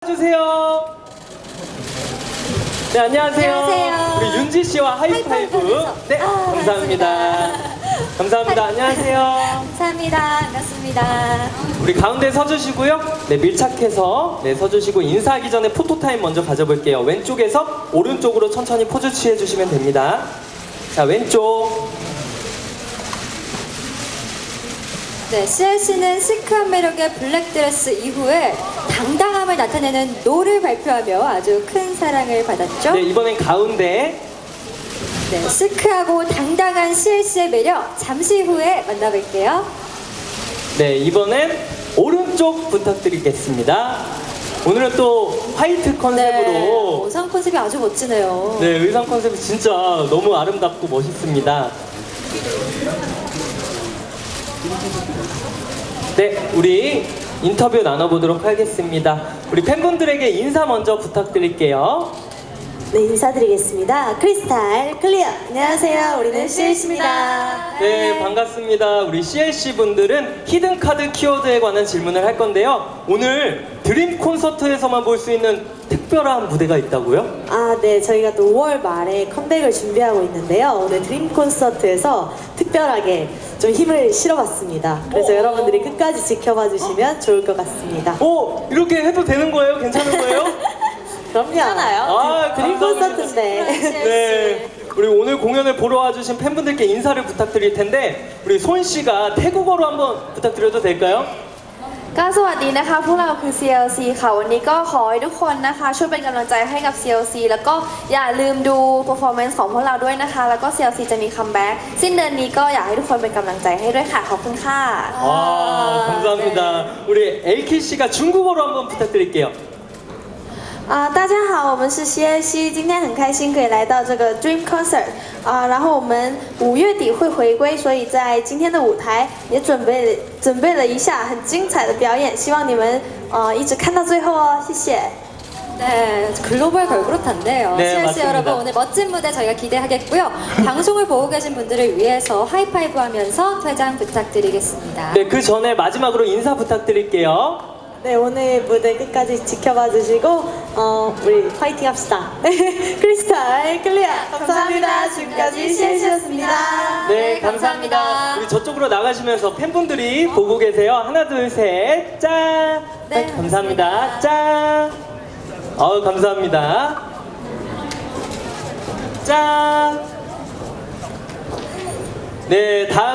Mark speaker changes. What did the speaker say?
Speaker 1: 나와주세요. 네, 안녕하세요.
Speaker 2: 안녕하세요.
Speaker 1: 우리 윤지 씨와 하이파이브. 네, 감사합니다. 감사합니다. 안녕하세요.
Speaker 2: 감사합니다. 반갑습니다.
Speaker 1: 우리 가운데 서주시고요. 네, 밀착해서 네, 서주시고 인사하기 전에 포토타임 먼저 가져볼게요. 왼쪽에서 오른쪽으로 천천히 포즈 취해주시면 됩니다. 자, 왼쪽.
Speaker 2: 네, CLC는 시크한 매력의 블랙드레스 이후에 당당함을 나타내는 노를 발표하며 아주 큰 사랑을 받았죠.
Speaker 1: 네, 이번엔 가운데.
Speaker 2: 네, 시크하고 당당한 CLC의 매력 잠시 후에 만나볼게요.
Speaker 1: 네, 이번엔 오른쪽 부탁드리겠습니다. 오늘은 또 화이트 컨셉으로
Speaker 2: 네, 의상 컨셉이 아주 멋지네요.
Speaker 1: 네, 의상 컨셉이 진짜 너무 아름답고 멋있습니다. 네, 우리 인터뷰 나눠보도록 하겠습니다. 우리 팬분들에게 인사 먼저 부탁드릴게요.
Speaker 3: 네, 인사드리겠습니다. 크리스탈 클리어. 안녕하세요. 우리는 CLC입니다.
Speaker 1: 네, 반갑습니다. 우리 CLC 분들은 히든카드 키워드에 관한 질문을 할 건데요. 오늘 드림 콘서트에서만 볼 수 있는 특별한 무대가 있다고요?
Speaker 3: 아, 네. 저희가 또 5월 말에 컴백을 준비하고 있는데요. 오늘 드림 콘서트에서 특별하게 좀 힘을 실어봤습니다. 그래서 여러분들이 끝까지 지켜봐 주시면 좋을 것 같습니다.
Speaker 1: 오, 이렇게 해도 되는 거예요? 괜찮은 거예요?
Speaker 3: 그럼요.
Speaker 2: 괜찮아요.
Speaker 1: 아,
Speaker 3: 드림
Speaker 1: 감사합니다.
Speaker 3: 콘서트인데.
Speaker 1: 네, 우리 오늘 공연을 보러 와주신 팬분들께 인사를 부탁드릴 텐데 우리 손 씨가 태국어로 한번 부탁드려도 될까요?
Speaker 4: ก็สวัสดีนะคะพวกเราคือ CLC ค่ะวันนี้ก็ขอให้ทุกคนนะคะช่วยเป็นกำลังใจให้กับ CLC แล้วก็อย่าลืมดู performance ของพวกเราด้วยนะคะแล้วก็ CLC จะมีคัมแบ็กสิ้นเดือนนี้ก็อยากให้ทุกคนเป็นกำลังใจให้ด้วยค่ะขอบคุณค่ะ
Speaker 1: 와, 감사합니다. 우리 LK 씨가 중국어로 한번 부탁드릴게요.
Speaker 4: 大家好，我们是 CLC， 今天很开心可以来到这个 Dream Concert 然后我们5月底会回归，所以在今天的舞台也准备了一下很精彩的表演，希望你们一直看到最后哦，谢谢。
Speaker 2: 네, 글로벌 걸그룹 단데요.
Speaker 1: 네,
Speaker 2: CLC
Speaker 1: 맞습니다.
Speaker 2: 여러분 오늘 멋진 무대 저희가 기대하겠고요. 방송을 보고 계신 분들을 위해서 하이파이브 하면서 퇴장 부탁드리겠습니다.
Speaker 1: 네, 그 전에 마지막으로 인사 부탁드릴게요.
Speaker 3: 네, 오늘 무대 끝까지 지켜봐 주시고 우리 파이팅 합시다. 크리스탈 클리어. 감사합니다. 지금까지 CLC였습니다.
Speaker 1: 네, 감사합니다. 우리 저쪽으로 나가시면서 팬분들이 보고 계세요. 하나, 둘, 셋, 짠.
Speaker 2: 네,
Speaker 1: 감사합니다. 짠. 감사합니다. 짠. 네, 다음.